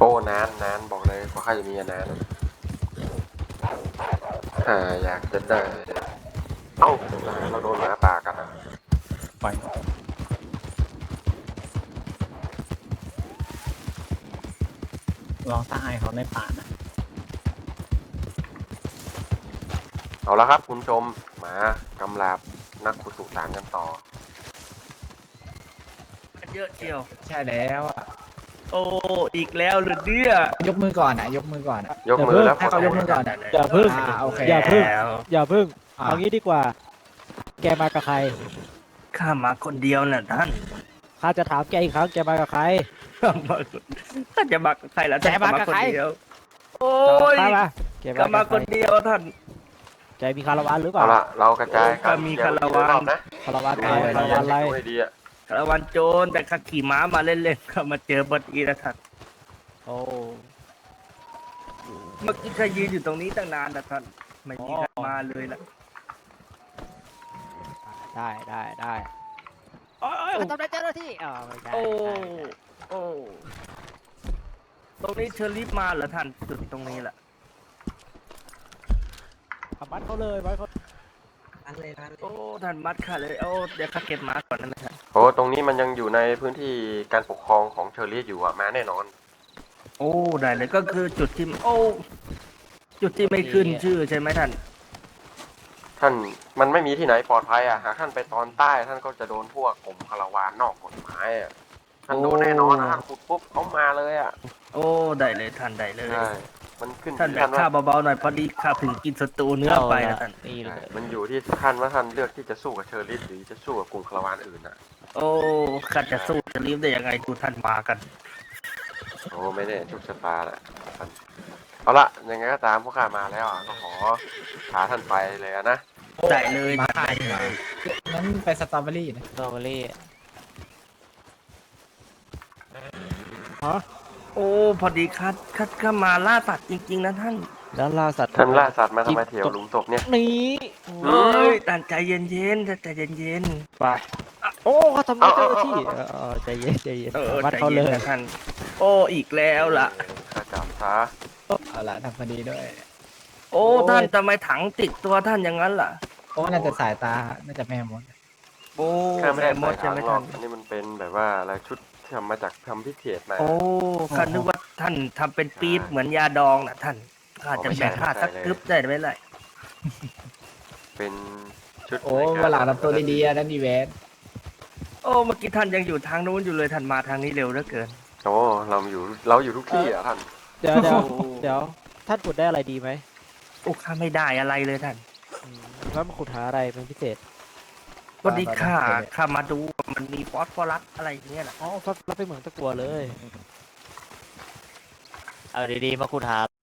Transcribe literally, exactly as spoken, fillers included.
โอ้นานนานบอกเลยกว่าข้าจะมีนานอ่าอยากจะได้เอ้าเราโดนหมาป่ากัดอ่ะไปลองตายเขาในป่านะเอาละครับคุณผู้ชมหมากำลาบนักขุดสุสานกันต่อเยอะเชียวใช่แล้วอ่ะโอ้ อีกแล้วหรือเนี่ยยกมือก่อนอ่ะยกมือก่อนอะยกมือแล้วให้เขายกมือก่อนอะอย่าพึ่งอ่าโอเคอย่าพึ่งแล้วอย่าพึ่งอ่ะเอางี้ดีกว่า แกมากับใครข้ามาคนเดียวน่ะท่านข้าจะถามแกอีกครั้ง แกมากับใครข้ามาท่านจะมากับใครล่ะท่านแกมากับใครนเดียวโอ้ตอบยข้ามาแกก็มามากับคใครนเดียวท่านแกมีคาราวานหรือเปเอาล่าละเรากระจายก็มีคาราวานนะคาราวานดูอะไรให้คาราวานอะไรดูให้ดีอ่ะคารวันโจรแต่ข้าขี่ม้ามาเล่นๆก็มาเจอบดีนะท่านโอ้เมื่อกี้ข้ายืนอยู่ตรงนี้ตั้งนานนะท่านไม่มีใครมาเลยล่ะได้ได้ได้โอ้ยโอ้ยเขาทำได้เจ้าหน้าที่อ๋อไม่ใช่โอ้ไม่ใช่โอ้ตรงนี้เชอรี่มาเหรอท่านจุดตรงนี้แหละเอามัดเขาเลยมัดเขาโอ้ท่านมัดข้าเลยโอ้เดี๋ยวข้าเก็บม้าก่อนนะท่านโอ้ตรงนี้มันยังอยู่ในพื้นที่การปกครองของเชอรี่อยู่อ่ะมาแน่นอนโอ้ได้เลยก็คือจุดที่โอ้จุดที่ไม่ขึ้นชื่อใช่ไหมท่านท่านมันไม่มีที่ไหนปลอดภัยอ่ะหากท่านไปตอนใต้ท่านก็จะโดนพวกกลุ่มคาราวานนอกกฎหมายอ่ะท่านโดนแน่นอนนะท่านขุดปุ๊บเขามาเลยอ่ะโอ้ได้เลยท่านได้เลยใช่มันขึ้นท่านที่แบท่าบนว่าข้าเบาๆหน่อยพอดีข้าถึงกินสตูเนื้อไปนะท่านนี่เลใช่ยมันอยู่ที่ท่านว่าท่านเลือกที่จะสู้กับเชอริสหรือจะสู้กับกลุ่มคาราวานอื่นอ่ะโอ้ข้าจะสู้จะรีบได้ยังไงดูท่านมากันโอ้ไม่แน่โชคชะตาแหละท่านเอาละยังไงก็ตามพวกข้ามาแล้วอ่ะก็ขอพาท่านไปเลยอะนะได้เลยมาได้ได้เลยงั้นไปสตรอเบอรี่นะสตรอเบอรี่ฮะโอ้พอดีข้าข้าข้ามาล่าสัตว์จริง ๆนะท่านแล้วล่าสัตว์ท่านล่าสัตว์มาทำไมแถวหลุมศพเนี่ยหนีเอ้ยท่านใจเย็นๆท่านใจเย็นไปโอ้เขาทำร้ายเจ้าหน้าที่เออเออใจเย็นใจเย็นๆเออมัดใจเขาเลเย็นยนะท่านโอ้อีกแล้วล่ะข้าจับซะเอาละทำพอดีด้วยโอ้ท่านทำไมถังติดตัวท่านอย่างนั้นล่ะโอ้น่าจะสายตา น่าจะแม่มดโอ้ข้าไม่ได้มใส่ดใช่ถังไหมหรอท่าก นอันนี้มันเป็นแบบว่าอะไรชุดที่ทำมาจากทำพิเศษมาโอ้ข้านึกว่าท่านทำเป็นปี๊บเหมือนยาดองน่ะท่านข้าจะแบ่งข้าสักกึ๊บได้ไหมล่ะเป็นชุดโอ้ในกรเวลาทำตัวดีๆอะนั่นดีเวนโอ้เมื่อกี้ท่านยังอยู่ทางนู้นอยู่เลยท่านมาทางนี้เร็วเหลือเกินโอ้เราอยู่เราอยู่ทุกที่อ่ะท่านเดี๋ยวเดี๋ยวเดี๋ยวท่านขุดได้อะไรดีไหมโอ้ข้าไม่ได้อะไรเลยท่านอืมแล้วมาขุดหาอะไรเป็นพิเศษก็ดีข้าข้ามาดูว่ามันมีฟอสฟอรัสอะไรอย่างเงี้ยน่ะอ๋อฟับรับไปเหมืองตะกัวเลย เอาดีๆมาขุดหา